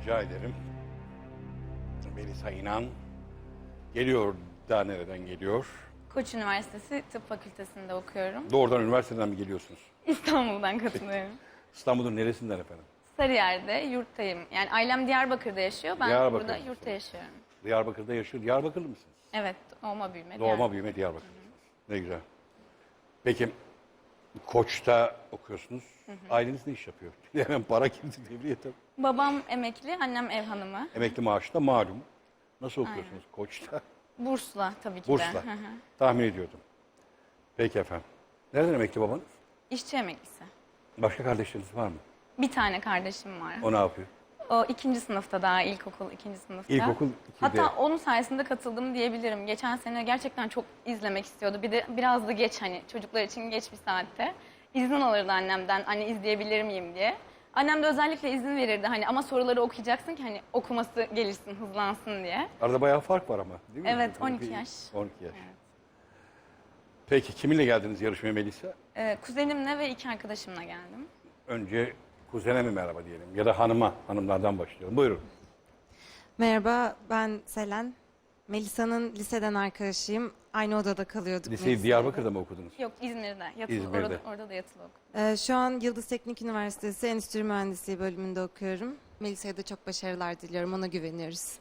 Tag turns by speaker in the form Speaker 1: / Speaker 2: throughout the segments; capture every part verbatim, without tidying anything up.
Speaker 1: Rica ederim. Melisa İnan geliyor da nereden geliyor?
Speaker 2: Koç Üniversitesi Tıp Fakültesi'nde okuyorum.
Speaker 1: Doğrudan üniversiteden mi geliyorsunuz?
Speaker 2: İstanbul'dan katılıyorum.
Speaker 1: İstanbul'un neresinden efendim?
Speaker 2: Sarıyer'de yurttayım. Yani ailem Diyarbakır'da yaşıyor. Ben
Speaker 1: Diyarbakır'da
Speaker 2: burada
Speaker 1: yaşıyorsun.
Speaker 2: yurtta yaşıyorum.
Speaker 1: Diyarbakır'da yaşıyor. Diyarbakırlı mısınız?
Speaker 2: Evet, doğma büyüme.
Speaker 1: Doğma
Speaker 2: Diyarbakır.
Speaker 1: büyüme Diyarbakırlısınız. Ne güzel. Peki Koç'ta okuyorsunuz. Aileniz ne iş yapıyor? Hemen para girdi devreye tabii.
Speaker 2: Babam emekli, annem ev hanımı.
Speaker 1: Emekli maaşı da malum. Nasıl okuyorsunuz Koç'ta?
Speaker 2: Bursla tabii ki de.
Speaker 1: Burs'la.
Speaker 2: Hı hı.
Speaker 1: Tahmin ediyordum. Peki efendim. Nereden emekli babanız?
Speaker 2: İşçi emeklisi.
Speaker 1: Başka kardeşleriniz var mı?
Speaker 2: Bir tane kardeşim var.
Speaker 1: O ne yapıyor?
Speaker 2: O ikinci sınıfta daha, ilkokul ikinci sınıfta.
Speaker 1: İlkokul ikide.
Speaker 2: Hatta onun sayesinde katıldım diyebilirim. Geçen sene gerçekten çok izlemek istiyordu. Bir de biraz da geç, hani çocuklar için geç bir saatte. İzin alırdı annemden, anne izleyebilir miyim diye. Annem de özellikle izin verirdi hani, ama soruları okuyacaksın ki hani okuması gelişsin, hızlansın diye.
Speaker 1: Arada bayağı fark var ama değil mi?
Speaker 2: Evet, on iki yaş.
Speaker 1: on iki yaş. Peki kiminle geldiniz yarışmaya Melisa?
Speaker 2: Ee, kuzenimle ve iki arkadaşımla geldim.
Speaker 1: Önce kuzene mi merhaba diyelim ya da hanıma, hanımlardan başlayalım. Buyurun.
Speaker 3: Merhaba, ben Selen. Melisa'nın liseden arkadaşıyım. Aynı odada kalıyorduk.
Speaker 1: Liseyi
Speaker 3: Melisa'yla.
Speaker 1: Diyarbakır'da mı okudunuz?
Speaker 2: Yok, İzmir'de. Yatılı,
Speaker 1: İzmir'de.
Speaker 2: Orada, orada da yatılı okudum.
Speaker 3: Ee, şu an Yıldız Teknik Üniversitesi Endüstri Mühendisliği bölümünde okuyorum. Melisa'ya da çok başarılar diliyorum, ona güveniyoruz.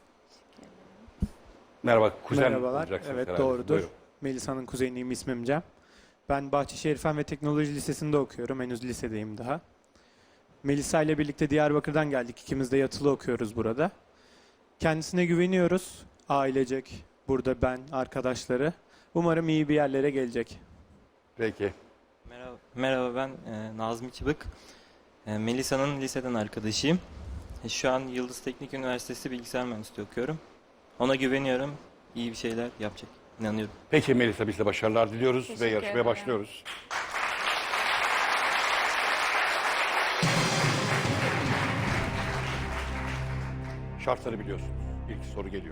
Speaker 1: Merhaba, kuzen
Speaker 4: Merhabalar.
Speaker 1: olacaksınız
Speaker 4: Evet,
Speaker 1: herhalde.
Speaker 4: doğrudur.
Speaker 1: Buyurun.
Speaker 4: Melisa'nın kuzeniyim, ismim Cem. Ben Bahçeşehir Fen ve Teknoloji Lisesi'nde okuyorum. Henüz lisedeyim daha. Melisa ile birlikte Diyarbakır'dan geldik. İkimiz de yatılı okuyoruz burada. Kendisine güveniyoruz. Ailecek, burada ben, arkadaşları. Umarım iyi bir yerlere gelecek.
Speaker 1: Peki.
Speaker 5: Merhaba, merhaba ben e, Nazmi Çıbık. E, Melisa'nın liseden arkadaşıyım. E, şu an Yıldız Teknik Üniversitesi Bilgisayar Mühendisliği okuyorum. Ona güveniyorum. İyi bir şeyler yapacak. İnanıyorum.
Speaker 1: Peki Melisa, biz de başarılar diliyoruz
Speaker 2: Teşekkür
Speaker 1: ve yarışmaya
Speaker 2: ederim.
Speaker 1: başlıyoruz. Şartları biliyorsunuz. İlk soru geliyor.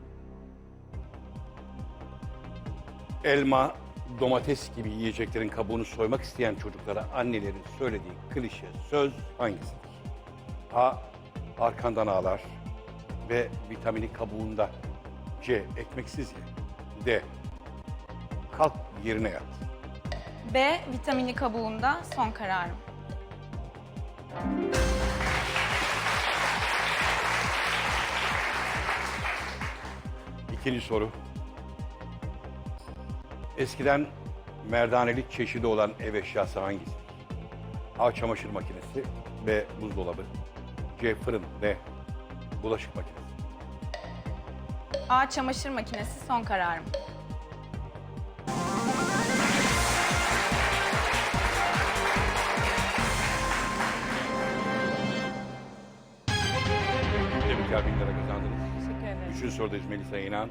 Speaker 1: Elma, domates gibi yiyeceklerin kabuğunu soymak isteyen çocuklara annelerin söylediği klişe söz hangisidir? A. Arkandan ağlar. B. Vitamini kabuğunda. C. Ekmeksiz ye. D. Kalk yerine yat.
Speaker 2: B, vitamini kabuğunda, son kararım.
Speaker 1: İkinci soru. Eskiden merdaneli çeşidi olan ev eşyası hangisidir? A. Çamaşır makinesi. B. Buzdolabı. C. Fırın. D. Bulaşık makinesi.
Speaker 2: A, çamaşır makinesi, son kararım.
Speaker 1: Tebrikler, bin lira kazandınız.
Speaker 2: Teşekkür ederim.
Speaker 1: Üçüncü sorudayız Melisa İnan.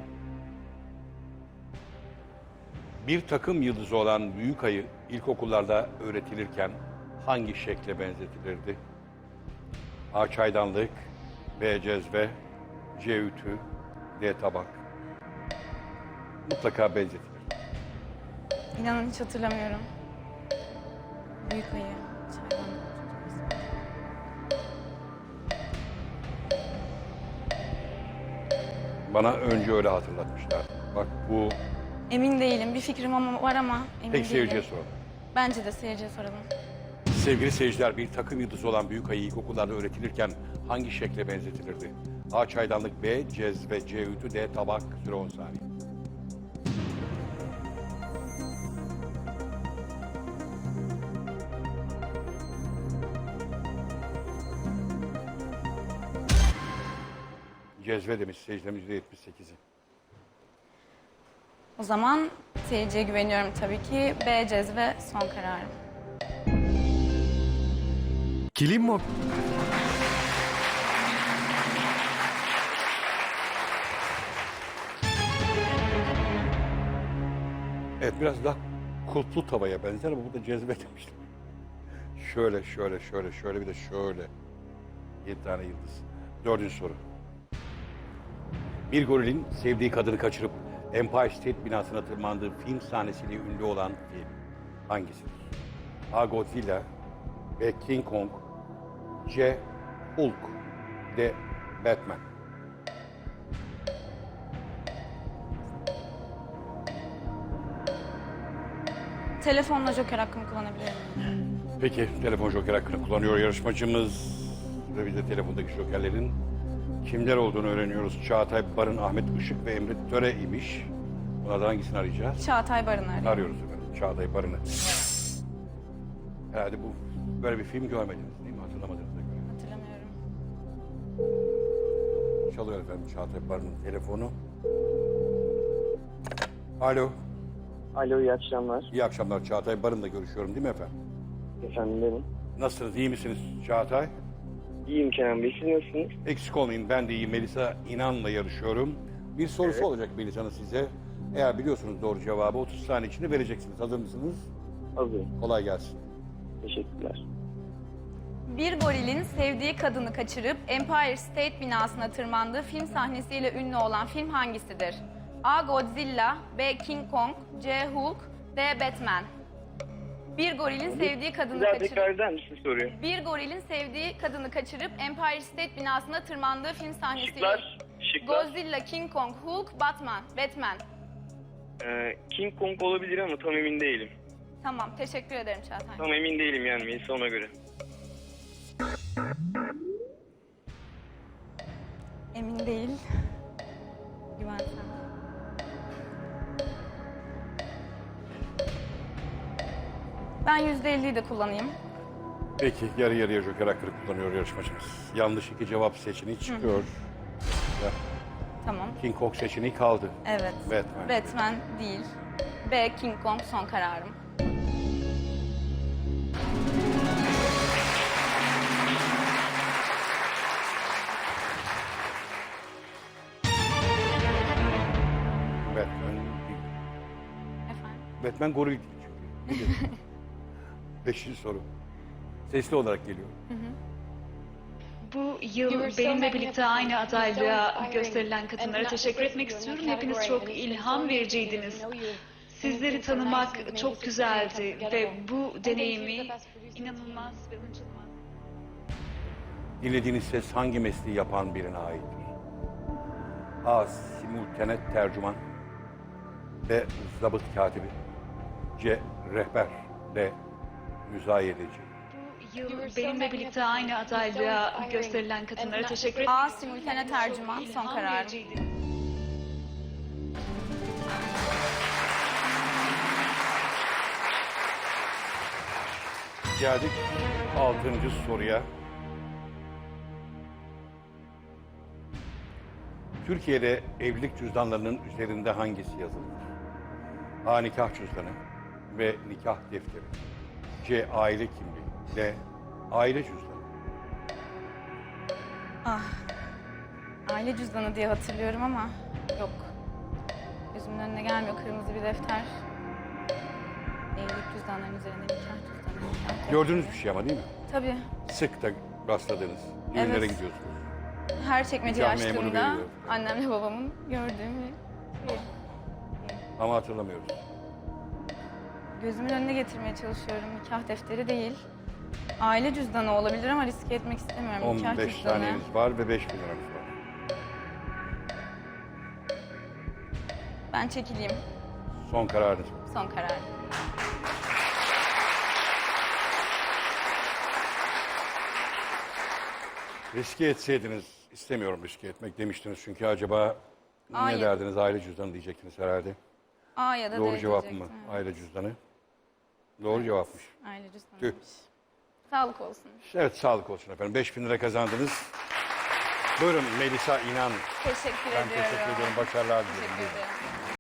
Speaker 1: Bir takım yıldızı olan büyük ayı ilkokullarda öğretilirken hangi şekle benzetilirdi? A. Çaydanlık. B. Cezve. C. Ütü. D. Tabak. Mutlaka benzetilir.
Speaker 2: İnanın hiç hatırlamıyorum. Büyük ayı. Çaydanlık.
Speaker 1: Bana önce öyle hatırlatmışlar. Bak bu
Speaker 2: Emin değilim. Bir fikrim ama var ama emin
Speaker 1: tek
Speaker 2: değilim.
Speaker 1: seyirciye soralım.
Speaker 2: Bence de seyirciye soralım.
Speaker 1: Sevgili seyirciler, bir takım yıldızı olan büyük ayı ilkokullarda öğretilirken hangi şekle benzetilirdi? A. Çaydanlık. B. Cezve. C. Ütü. D. Tabak. Süre on saniye. Cezve demiş seyircilerimiz yüzde yetmiş sekizi.
Speaker 2: O zaman seyirciye güveniyorum tabii ki. B, cezve, son kararım.
Speaker 6: Kilim Mob...
Speaker 1: Evet, biraz daha kulplu tavaya benzer ama bu da cezve demiştim. Şöyle, şöyle, şöyle, şöyle bir de şöyle. Yedi tane yıldız. Dördüncü soru. Bir gorilin sevdiği kadını kaçırıp Empire State binasına tırmandığı film sahnesiyle ünlü olan film hangisidir? A. Godzilla. B. King Kong. C. Hulk. D. Batman.
Speaker 2: Telefonla joker hakkımı kullanabilir miyim?
Speaker 1: Peki, telefon joker hakkını kullanıyor yarışmacımız. Ve biz de telefondaki jokerlerin kimler olduğunu öğreniyoruz. Çağatay Barın, Ahmet Işık ve Emre Töre imiş. Bunlardan hangisini arayacağız?
Speaker 2: Çağatay Barın'ı arıyorum.
Speaker 1: Arıyoruz efendim Çağatay Barın'ı. Herhalde bu böyle bir film görmediniz değil mi? Hatırlamadığınıza göre.
Speaker 2: Hatırlamıyorum.
Speaker 1: Çalıyor efendim Çağatay Barın'ın telefonu. Alo.
Speaker 6: Alo, iyi akşamlar.
Speaker 1: İyi akşamlar. Çağatay Barın'la görüşüyorum değil mi efendim?
Speaker 6: Efendim benim.
Speaker 1: Nasılsınız? İyi misiniz Çağatay?
Speaker 6: İyiyim Kenan Bey, siz nasılsınız?
Speaker 1: Eksik olmayın. Ben de iyiyim. Melisa İnan'la yarışıyorum. Bir sorusu
Speaker 6: Evet.
Speaker 1: olacak Melisa'nın size. Eğer biliyorsunuz doğru cevabı otuz saniye içinde vereceksiniz. Hazır mısınız?
Speaker 6: Hazırım.
Speaker 1: Kolay gelsin.
Speaker 6: Teşekkürler.
Speaker 2: Bir gorilin sevdiği kadını kaçırıp Empire State binasına tırmandığı film sahnesiyle ünlü olan film hangisidir? A. Godzilla, B. King Kong, C. Hulk, D. Batman. Bir gorilin sevdiği kadını
Speaker 6: Bir daha
Speaker 2: kaçırıp...
Speaker 6: tekrar eder misin soruyu?
Speaker 2: Bir gorilin sevdiği kadını kaçırıp Empire State binasına tırmandığı film sahnesiyle...
Speaker 6: Şıklar. Şıklar.
Speaker 2: Godzilla, King Kong, Hulk, Batman. Batman.
Speaker 6: Ee, King Kong olabilir ama tam emin değilim.
Speaker 2: Tamam, teşekkür ederim Çağatay.
Speaker 6: Tam emin değilim yani Melisa, ona göre.
Speaker 2: Emin değil. Güven sen. Ben yüzde elliyi de kullanayım.
Speaker 1: Peki yarı yarıya joker hakkını kullanıyor yarışmacımız. Yanlış iki cevap seçeneği çıkıyor. Ve
Speaker 2: Tamam.
Speaker 1: King Kong seçeneği kaldı.
Speaker 2: Evet.
Speaker 1: Batman.
Speaker 2: Batman değil. B. King Kong son kararım.
Speaker 1: Batman değil.
Speaker 2: Efendim?
Speaker 1: Batman goril değil çünkü. Bilir. Beşinci soru. Sesli olarak geliyor.
Speaker 7: Bu yıl benimle birlikte aynı adaylığa gösterilen kadınlara teşekkür etmek istiyorum. Hepiniz çok ilham vericiydiniz. Sizleri tanımak çok güzeldi ve bu deneyimi inanılmaz ve unutulmaz.
Speaker 1: Dinlediğiniz ses hangi mesleği yapan birine aittir? A. Simultane tercüman. B. Zabıt katibi. C. Rehber. D. Müzayedeci.
Speaker 7: Bu yıl benimle birlikte aynı adaylığa gösterilen kadınlara teşekkür etmek
Speaker 2: A.
Speaker 7: istiyorum.
Speaker 2: Simultane
Speaker 7: Hepiniz çok
Speaker 2: tercüman, son
Speaker 7: ilham
Speaker 2: kararım.
Speaker 7: vericiydiniz.
Speaker 1: Geldik altıncı soruya. Türkiye'de evlilik cüzdanlarının üzerinde hangisi yazılıdır? A. Nikah cüzdanı. B. Nikah defteri. C. Aile kimliği. D. Aile cüzdanı.
Speaker 2: Ah. Aile cüzdanı diye hatırlıyorum ama yok. Gözümün önüne gelmiyor kırmızı bir defter. Evlilik cüzdanlarının üzerinde nikah cüzdanı. nikah-
Speaker 1: Gördüğünüz bir şey ama değil mi?
Speaker 2: Tabii.
Speaker 1: Sık da rastladığınız. Düğünlere
Speaker 2: Evet.
Speaker 1: gidiyorsunuz.
Speaker 2: Her çekmeceyi
Speaker 1: Nikah memuru
Speaker 2: açtığımda
Speaker 1: veriyor.
Speaker 2: annemle babamın gördüğüm bir şey.
Speaker 1: Ama hatırlamıyoruz.
Speaker 2: Gözümün önüne getirmeye çalışıyorum. Nikah defteri değil. Aile cüzdanı olabilir ama riske etmek istemiyorum. Nikah
Speaker 1: on beş
Speaker 2: cüzdanı.
Speaker 1: saniyeniz var ve beş bin liramız var.
Speaker 2: Ben çekileyim.
Speaker 1: Son kararınız.
Speaker 2: Son karar.
Speaker 1: Riske etseydiniz, istemiyorum riske etmek demiştiniz çünkü acaba
Speaker 2: Aa,
Speaker 1: ne
Speaker 2: ya-
Speaker 1: derdiniz? Aile cüzdanı diyecektiniz herhalde.
Speaker 2: A ya da
Speaker 1: Doğru
Speaker 2: D
Speaker 1: cevap mı?
Speaker 2: diyecektim, evet.
Speaker 1: Aile cüzdanı. Doğru cevapmış.
Speaker 2: Aile cüzdanıymış.
Speaker 1: Tüh.
Speaker 2: Sağlık olsun.
Speaker 1: Evet, sağlık olsun efendim. beş bin lira kazandınız. Buyurun Melisa İnan.
Speaker 2: Teşekkür
Speaker 1: Ben
Speaker 2: ediyorum.
Speaker 1: teşekkür ediyorum. Başarılar diliyorum.
Speaker 2: Teşekkür ederim.